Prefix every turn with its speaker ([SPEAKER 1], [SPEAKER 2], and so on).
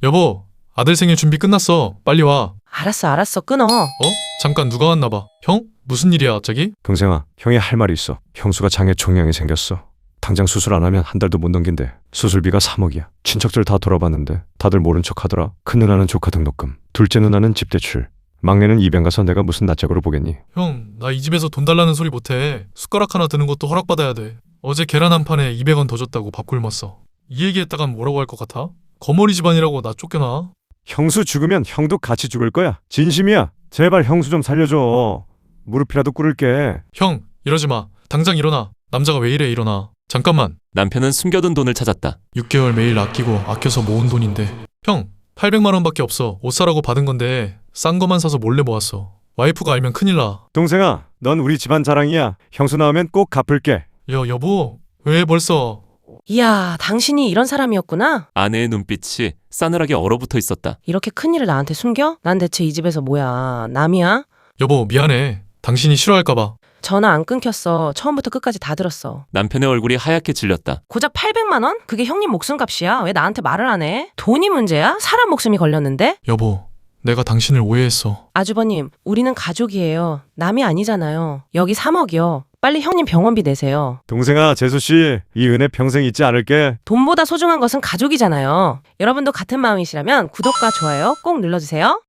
[SPEAKER 1] 여보, 아들 생일 준비 끝났어. 빨리 와.
[SPEAKER 2] 알았어, 끊어.
[SPEAKER 1] 잠깐 누가 왔나 봐. 형? 무슨 일이야 갑자기?
[SPEAKER 3] 동생아, 형이 할 말이 있어. 형수가 장에 종양이 생겼어. 당장 수술 안 하면 한 달도 못 넘긴대. 수술비가 3억이야. 친척들 다 돌아봤는데 다들 모른 척 하더라. 큰 누나는 조카 등록금, 둘째 누나는 집 대출, 막내는 입양 가서 내가 무슨 낯짝으로 보겠니?
[SPEAKER 1] 형, 나 이 집에서 돈 달라는 소리 못해. 숟가락 하나 드는 것도 허락받아야 돼. 어제 계란 한 판에 200원 더 줬다고 밥 굶었어. 이 얘기했다간 뭐라고 할 것 같아? 거머리 집안이라고 나 쫓겨나?
[SPEAKER 3] 형수 죽으면 형도 같이 죽을 거야. 진심이야. 제발 형수 좀 살려줘. 무릎이라도 꿇을게.
[SPEAKER 1] 형, 이러지 마. 당장 일어나. 남자가 왜 이래 일어나. 잠깐만.
[SPEAKER 4] 남편은 숨겨둔 돈을 찾았다.
[SPEAKER 1] 6개월 매일 아껴서 모은 돈인데. 형, 800만 원밖에 없어. 옷 사라고 받은 건데 싼 거만 사서 몰래 모았어. 와이프가 알면 큰일 나.
[SPEAKER 3] 동생아, 넌 우리 집안 자랑이야. 형수 나오면 꼭 갚을게.
[SPEAKER 1] 여보, 왜 벌써?
[SPEAKER 2] 이야, 당신이 이런 사람이었구나?
[SPEAKER 4] 아내의 눈빛이 싸늘하게 얼어붙어 있었다.
[SPEAKER 2] 이렇게 큰일을 나한테 숨겨? 난 대체 이 집에서 뭐야? 남이야?
[SPEAKER 1] 여보, 미안해. 당신이 싫어할까봐.
[SPEAKER 2] 전화 안 끊겼어. 처음부터 끝까지 다 들었어.
[SPEAKER 4] 남편의 얼굴이 하얗게 질렸다.
[SPEAKER 2] 고작 800만 원? 그게 형님 목숨값이야. 왜 나한테 말을 안 해? 돈이 문제야? 사람 목숨이 걸렸는데?
[SPEAKER 1] 여보, 내가 당신을 오해했어.
[SPEAKER 2] 아주버님, 우리는 가족이에요. 남이 아니잖아요. 여기 3억이요. 빨리 형님 병원비 내세요.
[SPEAKER 3] 동생아, 재수씨, 이 은혜 평생 잊지 않을게.
[SPEAKER 2] 돈보다 소중한 것은 가족이잖아요. 여러분도 같은 마음이시라면 구독과 좋아요 꼭 눌러주세요.